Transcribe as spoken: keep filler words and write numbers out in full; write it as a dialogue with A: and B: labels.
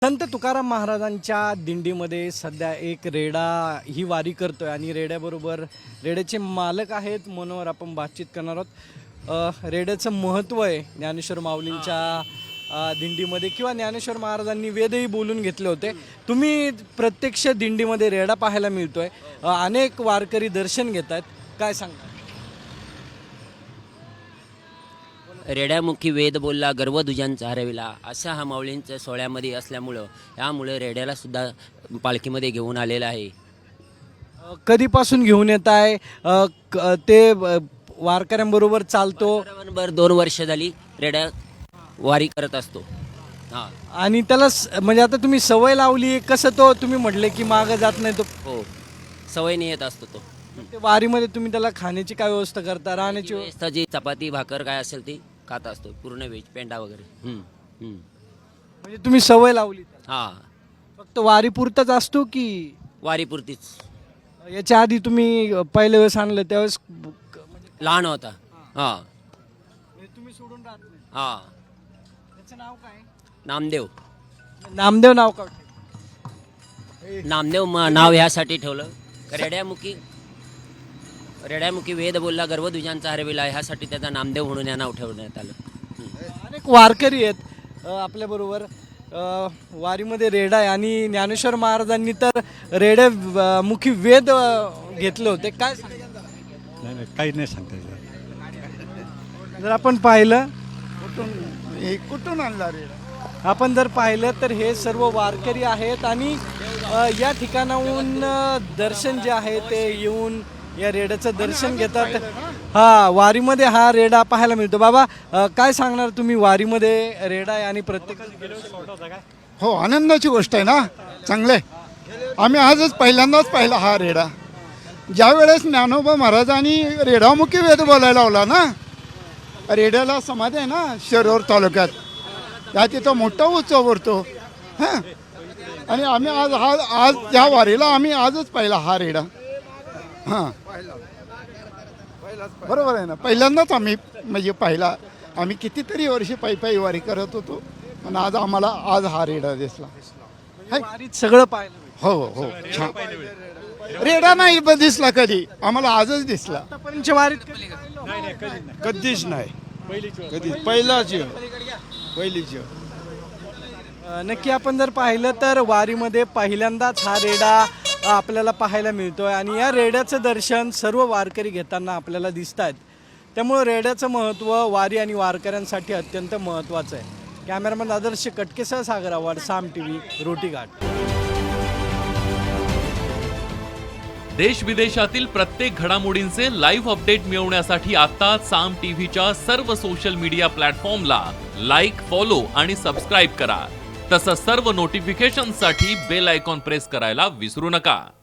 A: संत तुकाराम महाराजांच्या दिंडीमध्ये सध्या एक रेडा ही वारी करतोय आणि रेड्याबरोबर रेड्याचे मालक आहेत मनोहर आपण बातचीत करणार आहोत। अ, रेड्याचं महत्त्व आहे ज्ञानेश्वर माऊलींच्या अ, दिंडीमध्ये किंवा ज्ञानेश्वर महाराजांनी वेदही बोलून घेतले होते। तुम्ही प्रत्यक्ष दिंडीमध्ये रेडा पाहायला मिळतोय, अ, अनेक वारकरी दर्शन घेत आहेत, काय सांगता?
B: रेड्यामुखी वेद बोलला गर्व दुजांचा हरविला असा हा माऊलींच्या सोहळ्यामध्ये असल्यामुळं यामुळे रेड्याला सुद्धा पालखीमध्ये घेऊन आलेला आहे।
A: अ, कधीपासून घेऊन येत आहे? अ, क- ते अ, वारकऱ्यांबरोबर चालतो
B: बरोबर दोन वर्ष झाली रेड्या वारी करत असतो। हां
A: आणि त्याला स- म्हणजे आता तुम्ही सवय लावली, कसं तो तुम्ही म्हटले की मागं जात नाही तो
B: हो सवयीने येत असतो तो।
A: ते वारीमध्ये तुम्ही त्याला खाण्याची काय व्यवस्था करता, राहण्याची व्यवस्था?
B: व्यवस्था जी चपाती भाकर काय असेल ती खात असतो, पूर्ण व्हेज पेंडा वगैरे। हम्म, हम्म.
A: म्हणजे तुम्ही सवय लावली त्याला.
B: हां
A: फक्त वारी पुरताच असतो की
B: वारीपुरतीच।
A: याच्या आधी तुम्ही अ, पहिल्या वेळेस आणलं त्यावेळेस ब- क- म्हणजे
B: लहान होता। हां
A: म्हणजे तुम्ही सोडून राहत नाही?
B: हां
A: त्याचं नाव काय?
B: नामदेव
A: नामदेव नाव का?
B: नामदेव म- नाव ह्यासाठी ठेवलं रेड्यामुखी रेड्यामुखी वेद बोलला गर्व दुजांचा हरविला ह्यासाठी त्याचा नामदेव म्हणून या नाव ठेवण्यात आलं। हम्म.
A: अनेक वारकरी आहेत आपल्या बरोबर वारीमध्ये रेडा आहे आणि ज्ञानेश्वर महाराजांनी तर रेड्या अ, मुखी वेद अ, घेतले होते, काय सांगता?
C: नाही नाही काही नाही सांगता येत.
A: जर आपण पाहिलं
D: कुठून हे कुठून आणला रे?
A: आपण जर पाहिलं तर हे सर्व वारकरी आहेत आणि अ, या ठिकाणाहून अ, दर्शन जे आहे ते येऊन या रेड्याचं दर्शन घेतात। हा वारीमध्ये हा रेडा पाहायला मिळतो। बाबा अ, काय सांगणार तुम्ही, वारीमध्ये रेडा आहे आणि प्रत्येक
D: हो, आनंदाची गोष्ट आहे ना, चांगलं आहे। आम्ही आजच पहिल्यांदाच पाहिला हा रेडा। ज्या वेळेस ज्ञानोबा महाराजांनी रेडामुखी वेद बोलायला लावला ना, रेड्याला समाधी आहे ना शिरोर तालुक्यात, त्या तिथं मोठा उत्सव भरतो हां। आणि आम्ही आज हा आज त्या वारीला आम्ही आजच पाहिला हा रेडा। हां बरोबर आहे ना, पहिल्यांदाच आम्ही म्हणजे पाहिला। आम्ही कितीतरी वर्षी पायी पायी वारी करत होतो, पण आज आम्हाला आज हा रेडा दिसला।
A: वारीत सगळं पाहिलं मिळतं.
D: हो हो छान। रेडा नाही ब- दिसला कधी, आम्हाला आजच दिसला।
A: आतापर्यंतच्या वारीत कधी पाहिलं?
E: कधीच नाही, कधी पहिलाच येऊ पहिलीच येऊ
A: अ, नक्की आपण जर पाहिलं तर वारीमध्ये पहिल्यांदाच हा रेडा अ, आपल्याला पाहायला मिळतोय आणि या रेड्याचं दर्शन सर्व वारकरी घेताना आपल्याला दिसत आहेत। त्यामुळं रेड्याचं महत्त्व वारी आणि वारकऱ्यांसाठी अत्यंत महत्त्वाचं आहे। कॅमेरामॅन आदर्श कटकेसह सागर आव्हाड, साम टीव्ही, रोटीघाट।
F: देश विदेशातील प्रत्येक घडामोडींचे लाईव्ह अपडेट मिळवण्यासाठी आता साम टीव्हीच्या सर्व सोशल मीडिया प्लॅटफॉर्मला लाईक, फॉलो आणि सबस्क्राईब करा। तसंच सर्व नोटिफिकेशनसाठी बेल आयकॉन प्रेस करायला विसरू नका।